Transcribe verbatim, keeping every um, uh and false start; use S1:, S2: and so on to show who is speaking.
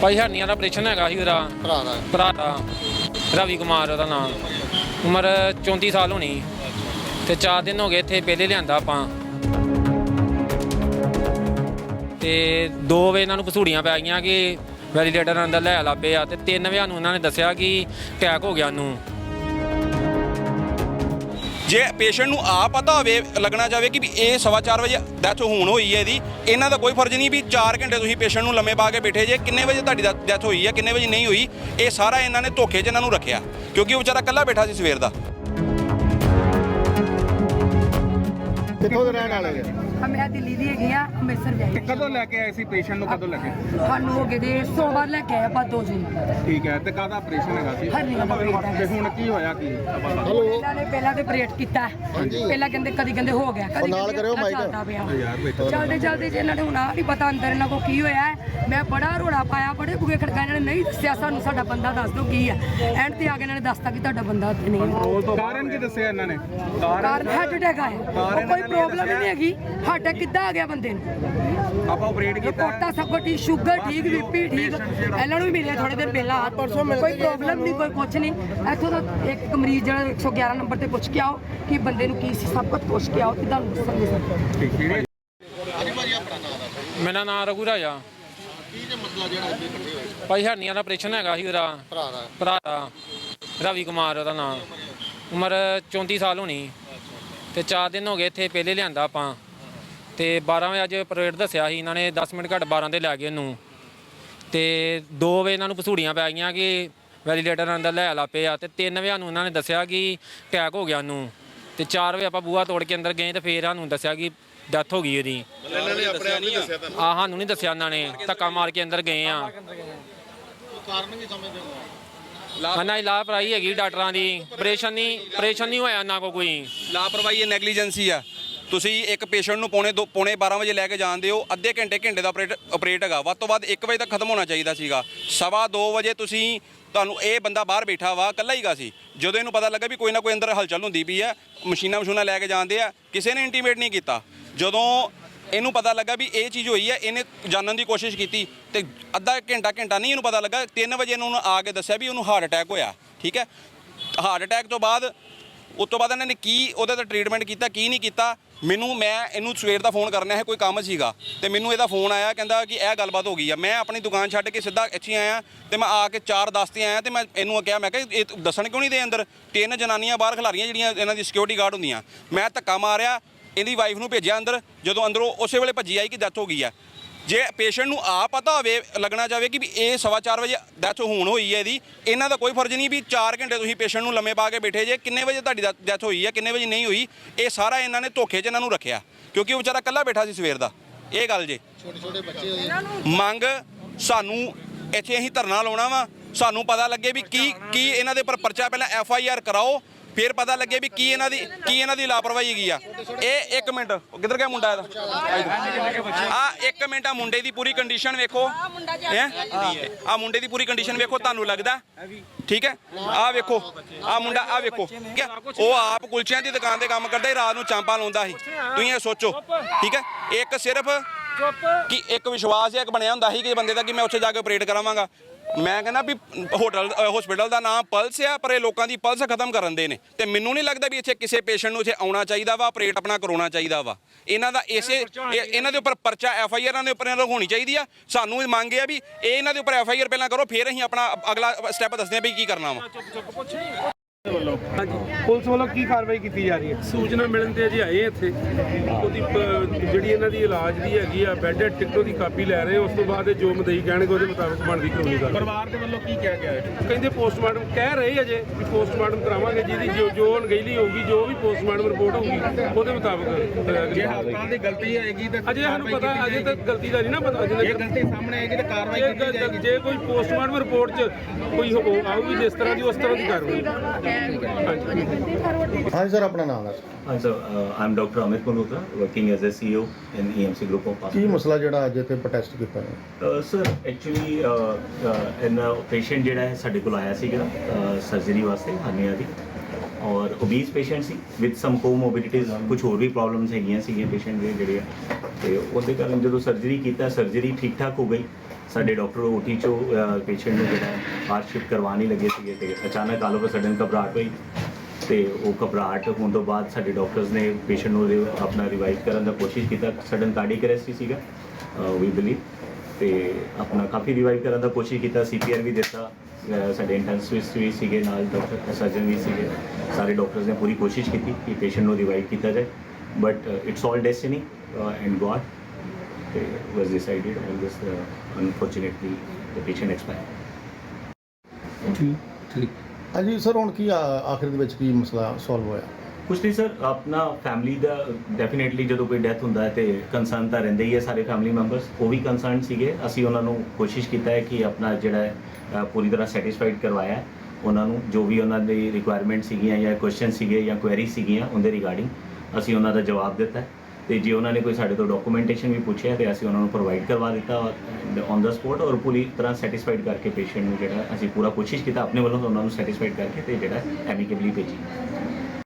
S1: ਭਾਈ ਹਰਨੀਆਂ ਦਾ ਆਪਰੇਸ਼ਨ ਹੈਗਾ ਸੀ ਉਹਦਾ
S2: ਭਰਾ ਦਾ
S1: ਭਰਾ ਦਾ ਰਵੀ ਕੁਮਾਰ ਉਹਦਾ ਨਾਮ, ਉਮਰ ਚੌਂਤੀ ਸਾਲ ਹੋਣੀ ਤੇ ਚਾਰ ਦਿਨ ਹੋ ਗਏ ਇੱਥੇ ਪਹਿਲੇ ਲਿਆਂਦਾ ਆਪਾਂ ਤੇ ਦੋ ਵਜੇ ਇਹਨਾਂ ਨੂੰ ਪਸੂੜੀਆਂ ਪੈ ਗਈਆਂ ਕਿ ਵੈਲੀਡੇਟਰ ਅੰਦਰ ਲੈ ਲਾ ਪਏ ਆ ਤੇ ਤਿੰਨ ਵਜੇ ਨੂੰ ਉਹਨਾਂ ਨੇ ਦੱਸਿਆ ਕਿ ਅਟੈਕ ਹੋ ਗਿਆ ਉਹਨੂੰ।
S3: ਜੇ ਪੇਸ਼ੈਂਟ ਨੂੰ ਆ ਪਤਾ ਹੋਵੇ ਲੱਗਣਾ ਚਾਹਵੇ ਕਿ ਵੀ ਇਹ ਸਵਾ ਚਾਰ ਵਜੇ ਡੈਥ ਹੋਣ ਹੋਈ ਹੈ ਇਹਦੀ, ਇਹਨਾਂ ਦਾ ਕੋਈ ਫਰਜ਼ ਨਹੀਂ ਵੀ ਚਾਰ ਘੰਟੇ ਤੁਸੀਂ ਪੇਸ਼ੈਂਟ ਨੂੰ ਲੰਮੇ ਪਾ ਕੇ ਬੈਠੇ ਜੇ, ਕਿੰਨੇ ਵਜੇ ਤੁਹਾਡੀ ਡੈਥ ਹੋਈ ਹੈ ਕਿੰਨੇ ਵਜੇ ਨਹੀਂ ਹੋਈ, ਇਹ ਸਾਰਾ ਇਹਨਾਂ ਨੇ ਧੋਖੇ 'ਚ ਇਹਨਾਂ ਨੂੰ ਰੱਖਿਆ ਕਿਉਂਕਿ ਉਹ ਵਿਚਾਰਾ ਇਕੱਲਾ ਬੈਠਾ ਸੀ ਸਵੇਰ ਦਾ।
S2: ਕਿੱਥੋਂ ਦੇ ਰਹਿਣ ਵਾਲੇ ਨੇ?
S4: ਮੈਂ ਦਿੱਲੀ ਦੀ ਹੈਗੀ ਆ, ਅੰਮ੍ਰਿਤਸਰ ਜਾਈ।
S5: ਕਦੋਂ ਲੈ ਕੇ ਆਏ ਸੀ ਪੇਸ਼ੈਂਟ ਨੂੰ, ਕਦੋਂ ਲੈ ਕੇ?
S4: ਸਾਨੂੰ ਹੋ ਗਏ ਦੇ ਸੋਮਵਾਰ ਲੈ ਕੇ ਆਏ ਆਪਾਂ ਦੋ ਜੂਨ।
S5: ਠੀਕ ਹੈ, ਤੇ ਕਾਹਦਾ ਆਪਰੇਸ਼ਨ ਹੈਗਾ ਸੀ?
S4: ਹਰਨੀਆਂ ਦਾ ਆਪਰੇਸ਼ਨ।
S5: ਤੇ ਹੁਣ ਕੀ ਹੋਇਆ ਕੀ?
S4: ਇਹਨਾਂ ਨੇ ਪਹਿਲਾਂ ਤੇ ਆਪਰੇਟ ਕੀਤਾ, ਪਹਿਲਾਂ ਕਹਿੰਦੇ ਕਦੀ ਕਹਿੰਦੇ ਹੋ ਗਿਆ, ਕਦੀ
S2: ਨਾਲ ਕਰਿਓ ਮਾਈਕ।
S5: ਯਾਰ ਬੈਠੋ।
S4: ਚਲਦੇ ਚਲਦੇ ਜੇ ਇਹਨਾਂ ਨੇ ਹੁਣ ਆ ਨਹੀਂ ਪਤਾ ਅੰਦਰ ਇਹਨਾਂ ਕੋ ਕੀ ਹੋਇਆ ਹੈ। ਮੈਂ ਬੜਾ ਰੋੜਾ ਪਾਇਆ, ਬੜੇ ਬੁਗੇ ਖੜਕਾ, ਇਹਨਾਂ ਨੇ ਨਹੀਂ ਦੱਸਿਆ ਸਾਨੂੰ, ਸਾਡਾ ਬੰਦਾ ਦੱਸ ਦਿਓ ਕੀ ਹੈ। ਐਂਡ ਤੇ ਆ ਕੇ ਇਹਨਾਂ ਨੇ ਦੱਸਤਾ ਕਿ ਤੁਹਾਡਾ ਬੰਦਾ ਉੱਥੇ ਨਹੀਂ ਹੈ।
S5: ਕਾਰਨ ਕੀ ਦੱਸਿਆ ਇਹਨਾਂ ਨੇ?
S4: ਕਾਰਨ ਹਾਰਟ ਅਟੈਕ ਆਇਆ, ਉਹ ਕੋਈ ਪ੍ਰੋਬਲਮ ਹੀ ਨਹੀਂ ਹੈਗੀ। ਹਾਰਟ ਅਟੈਕ ਕਿੱਦਾਂ ਆ ਗਿਆ ਬੰਦੇ ਨੂੰ?
S5: ਆਪਾਂ ਆਪਰੇਟ ਕੀਤਾ।
S4: ਕੋਟਾ ਸਭ ਕੁਝ ਠੀਕ, ਸ਼ੂਗਰ ਠੀਕ, ਬੀਪੀ ਠੀਕ, ਇਹਨਾਂ ਨੂੰ ਵੀ ਮਿਲਿਆ ਥੋੜੇ ਦਿਨ ਪਹਿਲਾਂ। ਕੋਈ ਪ੍ਰੋਬਲਮ ਨਹੀਂ, ਕੋਈ ਕੁਝ ਨਹੀਂ। ਇੱਥੋਂ ਦਾ ਇੱਕ ਮਰੀਜ਼ ਜਿਹੜਾ ਇੱਕ ਸੌ ਗਿਆਰਾਂ ਨੰਬਰ ਤੇ ਪੁੱਛ ਕੇ ਆਓ ਕਿ ਬੰਦੇ ਨੂੰ ਕੀ ਸੀ, ਸਭ ਕੁਝ ਪੁੱਛ ਕੇ ਆਓ, ਕਿਦਾਂ ਦੱਸਾਂਗੇ ਸਰ।
S5: ਠੀਕ ਹੈ।
S1: ਮੇਰਾ ਨਾਮ ਰਘੂ ਰਾਜਾ।
S2: ਕੀ ਜੇ ਮਸਲਾ ਜਿਹੜਾ ਇੱਥੇ ਇਕੱਠੇ ਹੋਏ?
S1: ਭਾਈ ਹਰਨੀਆਂ ਦਾ ਆਪਰੇਸ਼ਨ ਹੈਗਾ ਸੀ ਉਹਦਾ
S2: ਭਰਾ ਦਾ
S1: ਭਰਾ ਦਾ ਰਵੀ ਕੁਮਾਰ ਉਹਦਾ ਨਾਮ, ਉਮਰ ਚੌਂਤੀ ਸਾਲ ਹੋਣੀ ਤੇ ਚਾਰ ਦਿਨ ਹੋ ਗਏ ਇੱਥੇ ਪਹਿਲੇ ਲਿਆਂਦਾ ਆਪਾਂ ਤੇ ਬਾਰਾਂ ਵਜੇ ਅੱਜ ਆਪਰੇਟ ਦੱਸਿਆ ਸੀ ਇਹਨਾਂ ਨੇ, ਦਸ ਮਿੰਟ ਘੱਟ ਬਾਰਾਂ ਦੇ ਲੈ ਗਏ ਉਹਨੂੰ ਤੇ ਦੋ ਵਜੇ ਇਹਨਾਂ ਨੂੰ ਪਸੂੜੀਆਂ ਪੈ ਗਈਆਂ ਕਿ ਵੈਲੀਡੇਟਰ ਅੰਦਰ ਲੈ ਲਾ ਪਏ ਆ ਤੇ ਤਿੰਨ ਵਜੇ ਨੂੰ ਉਹਨਾਂ ਨੇ ਦੱਸਿਆ ਕਿ ਅਟੈਕ ਹੋ ਗਿਆ ਉਹਨੂੰ ਤੇ ਚਾਰ ਵਜੇ ਆਪਾਂ ਬੂਹਾ ਤੋੜ ਕੇ ਅੰਦਰ ਗਏ ਤੇ ਫੇਰ ਸਾਨੂੰ ਦੱਸਿਆ ਕਿ ਡੈਥ ਹੋ ਗਈ ਉਹਦੀ।
S2: ਇਹਨਾਂ ਨੇ ਆਪਣੇ ਆਪ ਨਹੀਂ ਦੱਸਿਆ ਤੁਹਾਨੂੰ?
S1: ਆ ਸਾਨੂੰ ਨਹੀਂ ਦੱਸਿਆ ਇਹਨਾਂ ਨੇ, ਧੱਕਾ ਮਾਰ ਕੇ ਅੰਦਰ ਗਏ ਆ।
S2: ਕਾਰਨ ਵੀ ਸਮਝਦੇ ਹੋ?
S1: ਨਾ ਲਾਪਰਵਾਹੀ ਹੈਗੀ ਡਾਕਟਰਾਂ ਦੀ, ਆਪਰੇਸ਼ਨ ਨਹੀਂ ਆਪਰੇਸ਼ਨ ਨਹੀਂ ਹੋਇਆ ਨਾ ਕੋਈ।
S3: ਲਾਪਰਵਾਹੀ ਇਹ ਨੈਗਲੀਜੈਂਸੀ ਆ। ਤੁਸੀਂ ਇੱਕ ਪੇਸ਼ੈਂਟ ਨੂੰ ਪੌਣੇ ਦੋ ਪੌਣੇ ਬਾਰਾਂ ਵਜੇ ਲੈ ਕੇ ਜਾਂਦੇ ਹੋ, ਅੱਧੇ ਘੰਟੇ ਘੰਟੇ ਦਾ ਆਪਰੇਟ ਆਪਰੇਟ ਹੈਗਾ, ਵੱਧ ਤੋਂ ਵੱਧ ਇੱਕ ਵਜੇ ਤੱਕ ਖਤਮ ਹੋਣਾ ਚਾਹੀਦਾ ਸੀਗਾ। ਸਵਾ ਦੋ ਵਜੇ ਤੁਸੀਂ ਤੁਹਾਨੂੰ ਇਹ ਬੰਦਾ ਬਾਹਰ ਬੈਠਾ ਵਾ, ਇਕੱਲਾ ਹੀਗਾ ਸੀ। ਜਦੋਂ ਇਹਨੂੰ ਪਤਾ ਲੱਗਾ ਵੀ ਕੋਈ ਨਾ ਕੋਈ ਅੰਦਰ ਹਲਚਲ ਹੁੰਦੀ ਪਈ ਆ, ਮਸ਼ੀਨਾਂ ਮਸ਼ੂਨਾਂ ਲੈ ਕੇ ਜਾਂਦੇ ਆ, ਕਿਸੇ ਨੇ ਇੰਟੀਮੇਟ ਨਹੀਂ ਕੀਤਾ। ਜਦੋਂ ਇਹਨੂੰ ਪਤਾ ਲੱਗਾ ਵੀ ਇਹ ਚੀਜ਼ ਹੋਈ ਹੈ, ਇਹਨੇ ਜਾਣਨ ਦੀ ਕੋਸ਼ਿਸ਼ ਕੀਤੀ ਤੇ ਅੱਧਾ ਘੰਟਾ ਘੰਟਾ ਨਹੀਂ ਇਹਨੂੰ ਪਤਾ ਲੱਗਾ, ਤਿੰਨ ਵਜੇ ਇਹਨੂੰ ਆ ਕੇ ਦੱਸਿਆ ਵੀ ਉਹਨੂੰ ਹਾਰਟ ਅਟੈਕ ਹੋਇਆ। ਠੀਕ ਹੈ, ਹਾਰਟ ਅਟੈਕ ਤੋਂ ਬਾਅਦ ਉਸ ਤੋਂ ਬਾਅਦ ਇਹਨਾਂ ਨੇ ਕੀ ਉਹਦੇ ਤੇ ਟ੍ਰੀਟਮੈਂਟ ਕੀਤਾ ਕੀ ਨਹੀਂ ਕੀਤਾ, ਮੈਨੂੰ ਮੈਂ ਇਹਨੂੰ ਸਵੇਰ ਦਾ ਫੋਨ ਕਰਨਾ ਹੈ, ਕੋਈ ਕੰਮ ਸੀਗਾ ਤੇ ਮੈਨੂੰ ਇਹਦਾ ਫੋਨ ਆਇਆ, ਕਹਿੰਦਾ ਕਿ ਇਹ ਗੱਲਬਾਤ ਹੋ ਗਈ ਆ। ਮੈਂ ਆਪਣੀ ਦੁਕਾਨ ਛੱਡ ਕੇ ਸਿੱਧਾ ਇੱਥੇ ਆਇਆ ਤੇ ਮੈਂ ਆ ਕੇ ਚਾਰ ਦਸ ਤੇ ਆਇਆ ਤੇ ਮੈਂ ਇਹਨੂੰ ਕਿਹਾ, ਮੈਂ ਕਿਹਾ ਇਹ ਦੱਸਣ ਕਿਉਂ ਨਹੀਂ ਦੇ ਅੰਦਰ? ਤਿੰਨ ਜਨਾਨੀਆਂ ਬਾਹਰ ਖਿਲਾਰੀਆਂ ਜਿਹੜੀਆਂ ਇਹਨਾਂ ਦੀ ਸਿਕਿਉਰਿਟੀ ਗਾਰਡ ਹੁੰਦੀਆਂ। ਮੈਂ ਧੱਕਾ ਮਾਰਿਆ, ਇਹਦੀ ਵਾਈਫ ਨੂੰ ਭੇਜਿਆ ਅੰਦਰ, ਜਦੋਂ ਅੰਦਰੋਂ ਉਸੇ ਵੇਲੇ ਭੱਜੀ ਆਈ ਕਿ ਡੈਥ ਹੋ ਗਈ ਆ। ਜੇ ਪੇਸ਼ੈਂਟ ਨੂੰ ਆ ਪਤਾ ਹੋਵੇ ਲੱਗਣਾ ਚਾਹਵੇ ਕਿ ਵੀ ਇਹ ਸਵਾ ਚਾਰ ਵਜੇ ਡੈਥ ਹੋਣ ਹੋਈ ਹੈ ਇਹਦੀ, ਇਹਨਾਂ ਦਾ ਕੋਈ ਫਰਜ਼ ਨਹੀਂ ਵੀ ਚਾਰ ਘੰਟੇ ਤੁਸੀਂ ਪੇਸ਼ੈਂਟ ਨੂੰ ਲੰਮੇ ਪਾ ਕੇ ਬੈਠੇ ਜੇ, ਕਿੰਨੇ ਵਜੇ ਤੁਹਾਡੀ ਡੈਥ ਹੋਈ ਹੈ ਕਿੰਨੇ ਵਜੇ ਨਹੀਂ ਹੋਈ, ਇਹ ਸਾਰਾ ਇਹਨਾਂ ਨੇ ਧੋਖੇ 'ਚ ਇਹਨਾਂ ਨੂੰ ਰੱਖਿਆ ਕਿਉਂਕਿ ਉਹ ਵਿਚਾਰਾ ਇਕੱਲਾ ਬੈਠਾ ਸੀ ਸਵੇਰ ਦਾ। ਇਹ ਗੱਲ ਜੇ
S2: ਛੋਟੇ ਛੋਟੇ ਬੱਚੇ
S3: ਮੰਗ ਸਾਨੂੰ ਇੱਥੇ ਅਸੀਂ ਧਰਨਾ ਲਾਉਣਾ ਵਾ, ਸਾਨੂੰ ਪਤਾ ਲੱਗੇ ਵੀ ਕੀ ਕੀ ਇਹਨਾਂ ਦੇ ਉੱਪਰ ਪਰਚਾ, ਪਹਿਲਾਂ ਐਫ ਆਈ ਆਰ ਕਰਾਓ ਫਿਰ ਪਤਾ ਲੱਗੇ ਵੀ ਕੀ ਇਹਨਾਂ ਦੀ ਕੀ ਇਹਨਾਂ ਦੀ ਲਾਪਰਵਾਹੀ ਹੈਗੀ ਆ। ਇਹ ਇੱਕ ਮਿੰਟ ਕਿੱਧਰ ਗਿਆ ਮੁੰਡਾ ਇਹਦਾ? ਆ ਇੱਕ ਮਿੰਟ, ਆ ਮੁੰਡੇ ਦੀ ਪੂਰੀ ਕੰਡੀਸ਼ਨ ਵੇਖੋ, ਆ ਮੁੰਡੇ ਦੀ ਪੂਰੀ ਕੰਡੀਸ਼ਨ ਵੇਖੋ, ਤੁਹਾਨੂੰ ਲੱਗਦਾ ਠੀਕ ਹੈ? ਆ ਵੇਖੋ ਆ ਮੁੰਡਾ, ਆ ਵੇਖੋ, ਉਹ ਆਪ ਕੁਲਚਿਆਂ ਦੀ ਦੁਕਾਨ ਤੇ ਕੰਮ ਕਰਦਾ, ਰਾਤ ਨੂੰ ਚਾਂਪਾਂ ਲਾਉਂਦਾ ਸੀ। ਤੁਸੀਂ ਇਹ ਸੋਚੋ ਠੀਕ ਹੈ, ਇੱਕ ਸਿਰਫ ਕਿ ਇੱਕ ਵਿਸ਼ਵਾਸ ਇੱਕ ਬਣਿਆ ਹੁੰਦਾ ਸੀ ਕਿ ਬੰਦੇ ਦਾ ਕਿ ਮੈਂ ਉੱਥੇ ਜਾ ਕੇ ਆਪਰੇਟ ਕਰਾਵਾਂਗਾ। ਮੈਂ ਕਹਿੰਦਾ ਵੀ ਹੋਟਲ ਹਸਪੀਟਲ ਦਾ ਨਾਮ ਪਲਸ ਆ, ਪਰ ਇਹ ਲੋਕਾਂ ਦੀ ਪਲਸ ਖਤਮ ਕਰਨ ਦੇ ਨੇ ਤੇ ਮੈਨੂੰ ਨਹੀਂ ਲੱਗਦਾ ਵੀ ਇੱਥੇ ਕਿਸੇ ਪੇਸ਼ੈਂਟ ਨੂੰ ਇੱਥੇ ਆਉਣਾ ਚਾਹੀਦਾ ਵਾ, ਆਪਰੇਟ ਆਪਣਾ ਕਰਾਉਣਾ ਚਾਹੀਦਾ ਵਾ। ਇਹਨਾਂ ਦਾ ਇਸੇ ਇਹਨਾਂ ਦੇ ਉੱਪਰ ਪਰਚਾ ਐਫ ਆਈ ਆਰਾਂ ਦੇ ਉੱਪਰ ਹੋਣੀ ਚਾਹੀਦੀ ਆ। ਸਾਨੂੰ ਮੰਗ ਹੈ ਵੀ ਇਹ ਇਹਨਾਂ ਦੇ ਉੱਪਰ ਐਫ ਆਈ ਆਰ ਪਹਿਲਾਂ ਕਰੋ, ਫਿਰ ਅਸੀਂ ਆਪਣਾ ਅਗਲਾ ਸਟੈਪ ਦੱਸਦੇ ਹਾਂ ਵੀ ਕੀ ਕਰਨਾ ਵਾ।
S5: ਵੱਲੋਂ ਹਾਂਜੀ ਪੁਲਿਸ ਵੱਲੋਂ ਕੀ ਕਾਰਵਾਈ ਕੀਤੀ ਜਾ ਰਹੀ ਹੈ?
S6: ਸੂਚਨਾ ਮਿਲਣ ਤੇ ਅਜੇ ਆਏ ਇੱਥੇ, ਉਹਦੀ ਜਿਹੜੀ ਇਹਨਾਂ ਦੀ ਇਲਾਜ ਦੀ ਹੈਗੀ ਆ ਬੈੱਡ ਟਿਕਟੋ ਦੀ ਕਾਪੀ ਲੈ ਰਹੇ, ਉਸ ਤੋਂ ਬਾਅਦ ਜੋ ਮਦਈ ਕਹਿਣਗੇ ਉਹਦੇ ਮੁਤਾਬਕ ਬਣਦੀ ਕਾਨੂੰਨੀ ਕਾਰਵਾਈ।
S5: ਪਰਿਵਾਰ ਦੇ ਵੱਲੋਂ ਕੀ ਕਿਹਾ ਗਿਆ ਹੈ?
S6: ਕਹਿੰਦੇ ਪੋਸਟਮਾਰਟਮ ਕਹਿ ਰਹੇ ਅਜੇ ਵੀ ਪੋਸਟਮਾਰਟਮ ਕਰਾਵਾਂਗੇ, ਜਿਹਦੀ ਜੋ ਜੋ ਅਣਗਹਿਲੀ ਹੋਊਗੀ, ਜੋ ਵੀ ਪੋਸਟਮਾਰਟਮ ਰਿਪੋਰਟ ਹੋਊਗੀ ਉਹਦੇ ਮੁਤਾਬਕ।
S5: ਜੇ ਹਸਪਤਾਲ ਦੀ ਗਲਤੀ ਆਏਗੀ ਤਾਂ
S6: ਅਜੇ ਸਾਨੂੰ ਪਤਾ, ਅਜੇ ਤੱਕ ਗਲਤੀ ਦਾ ਨਹੀਂ ਨਾ ਪਤਾ।
S5: ਜੇ ਗਲਤੀ ਸਾਹਮਣੇ ਆਏਗੀ ਤਾਂ ਕਾਰਵਾਈ ਕੀਤੀ ਜਾਏਗੀ।
S6: ਜੇ ਕੋਈ ਪੋਸਟਮਾਰਟਮ ਰਿਪੋਰਟ 'ਚ ਕੋਈ ਆਊਗੀ ਜਿਸ ਤਰ੍ਹਾਂ ਦੀ, ਉਸ ਤਰ੍ਹਾਂ ਦੀ ਕਾਰਵਾਈ।
S2: ਹਾਂਜੀ ਸਰ, ਆਪਣਾ ਨਾਮ ਦੱਸੋ।
S7: Hi sir, uh, I'm Doctor Amit Malhotra, working as a C E O in E M C Group of
S2: Ki
S7: Hospitals.
S2: ਮਸਲਾ ਜਿਹੜਾ ਅੱਜ ਇੱਥੇ ਪ੍ਰੋਟੈਸਟ ਕੀਤਾ ਹੈ?
S7: Uh, sir, actually, uh, uh, in patient ਜਿਹੜਾ ਹੈ ਸਾਡੇ ਕੋਲ ਆਇਆ ਸੀਗਾ ਸਰਜਰੀ ਵਾਸਤੇ ਹਰਨੀਆ ਦੀ, ਔਰ ਓਬੀਸ ਪੇਸ਼ੈਂਟ ਸੀ ਵਿਦ ਸਮ ਕੋਮੋਰਬਿਡਿਟੀਜ਼, ਕੁਝ ਹੋਰ ਵੀ ਪ੍ਰੋਬਲਮਸ ਹੈਗੀਆਂ ਸੀਗੀਆਂ ਪੇਸ਼ੈਂਟ ਦੇ ਜਿਹੜੇ ਆ, ਤੇ ਉਹਦੇ ਕਾਰਨ ਜਦੋਂ ਸਰਜਰੀ ਕੀਤਾ, ਸਰਜਰੀ ਠੀਕ ਠਾਕ ਹੋ ਗਈ। ਸਾਡੇ ਡਾਕਟਰ ਓਟੀ ਚੋਂ ਪੇਸ਼ੈਂਟ ਨੂੰ ਜਿਹੜਾ ਹਾਰਟ ਸ਼ਿਫਟ ਕਰਵਾ ਨਹੀਂ ਲੱਗੇ ਸੀਗੇ ਤੇ ਅਚਾਨਕ ਆਲ ਆਫ ਅ ਸਡਨ ਘਬਰਾਹਟ ਹੋਈ ਤੇ ਉਹ ਘਬਰਾਹਟ ਹੋਣ ਤੋਂ ਬਾਅਦ ਸਾਡੇ ਡਾਕਟਰਸ ਨੇ ਪੇਸ਼ੈਂਟ ਨੂੰ ਰਿ- ਆਪਣਾ ਰਿਵਾਈਵ ਕਰਨ ਦਾ ਕੋਸ਼ਿਸ਼ ਕੀਤਾ। ਸਡਨ ਕਾਰਡਿਕ ਅਰੈਸਟ ਹੀ ਸੀਗਾ ਵੀ ਬਿਲੀਵ ਤੇ ਆਪਣਾ ਕਾਫੀ ਰਿਵਾਈਵ ਕਰਨ ਦਾ ਕੋਸ਼ਿਸ਼ ਕੀਤਾ, ਸੀਪੀਆਰ ਵੀ ਦਿੱਤਾ। ਅਹ ਸਾਡੇ ਇੰਟੈਂਸਿਵਿਸਟ ਵੀ ਸੀਗੇ ਨਾਲ, ਡਾਕਟਰ ਸਰਜਨ ਵੀ ਸੀਗੇ, ਸਾਰੇ ਡਾਕਟਰਸ ਨੇ ਪੂਰੀ ਕੋਸ਼ਿਸ਼ ਕੀਤੀ ਕਿ ਪੇਸ਼ੈਂਟ ਨੂੰ ਰਿਵਾਈਵ ਕੀਤਾ ਜਾਏ but it's all destiny and God ਤੇ was decided and this unfortunately the patient expired.
S2: ਹਾਂਜੀ ਸਰ, ਹੁਣ ਕੀ ਆ- ਆਖਿਰ ਦੇ ਵਿੱਚ ਕੀ ਮਸਲਾ ਸੋਲਵ ਹੋਇਆ?
S7: ਕੁਛ ਨਹੀਂ ਸਰ, ਆਪਣਾ ਫੈਮਿਲੀ ਦਾ ਡੈਫੀਨੇਟਲੀ ਜਦੋਂ ਕੋਈ ਡੈਥ ਹੁੰਦਾ ਹੈ ਤੇ ਕੰਸਰਨ ਤਾਂ ਰਹਿੰਦੇ ਹੀ ਹੈ ਸਾਰੇ ਫੈਮਿਲੀ ਮੈਂਬਰਸ, ਉਹ ਵੀ ਕੰਸਰਨ ਸੀਗੇ। ਅਸੀਂ ਉਹਨਾਂ ਨੂੰ ਕੋਸ਼ਿਸ਼ ਕੀਤਾ ਹੈ ਕਿ ਆਪਣਾ ਜਿਹੜਾ ਹੈ ਅ, ਪੂਰੀ ਤਰ੍ਹਾਂ ਸੈਟੀਸਫਾਈਡ ਕਰਵਾਇਆ ਹੈ ਉਹਨਾਂ ਨੂੰ, ਜੋ ਵੀ ਉਹਨਾਂ ਦੀ ਰਿਕੁਆਇਰਮੈਂਟ ਸੀਗੀਆਂ ਜਾਂ ਕੁਐਸਚਨ ਸੀਗੇ ਜਾਂ ਕੁਐਰੀ ਸੀਗੀਆਂ ਉਹਦੇ ਰਿਗਾਰਡਿੰਗ ਅਸੀਂ ਉਹਨਾਂ ਦਾ ਜਵਾਬ ਦਿੱਤਾ ਹੈ। ਤੇ ਜੇ ਉਹਨਾਂ ਨੇ ਕੋਈ ਸਾਡੇ ਤੋਂ ਡਾਕੂਮੈਂਟੇਸ਼ਨ ਵੀ ਪੁੱਛਿਆ ਤੇ ਅਸੀਂ ਉਹਨਾਂ ਨੂੰ ਪ੍ਰੋਵਾਈਡ ਕਰਵਾ ਦਿੱਤਾ ਔਨ ਦਾ ਸਪੋਟ ਔਰ ਪੂਰੀ ਤਰ੍ਹਾਂ ਸੈਟੀਸਫਾਈਡ ਕਰਕੇ ਪੇਸ਼ੈਂਟ ਨੂੰ ਜਿਹੜਾ ਅਸੀਂ ਪੂਰਾ ਕੋਸ਼ਿਸ਼ ਕੀਤਾ ਆਪਣੇ ਵੱਲੋਂ ਉਹਨਾਂ ਨੂੰ ਸੈਟੀਸਫਾਈਡ ਕਰਕੇ ਤੇ ਜਿਹੜਾ ਐਮੀਕੇਬਲੀ ਭੇਜੀ।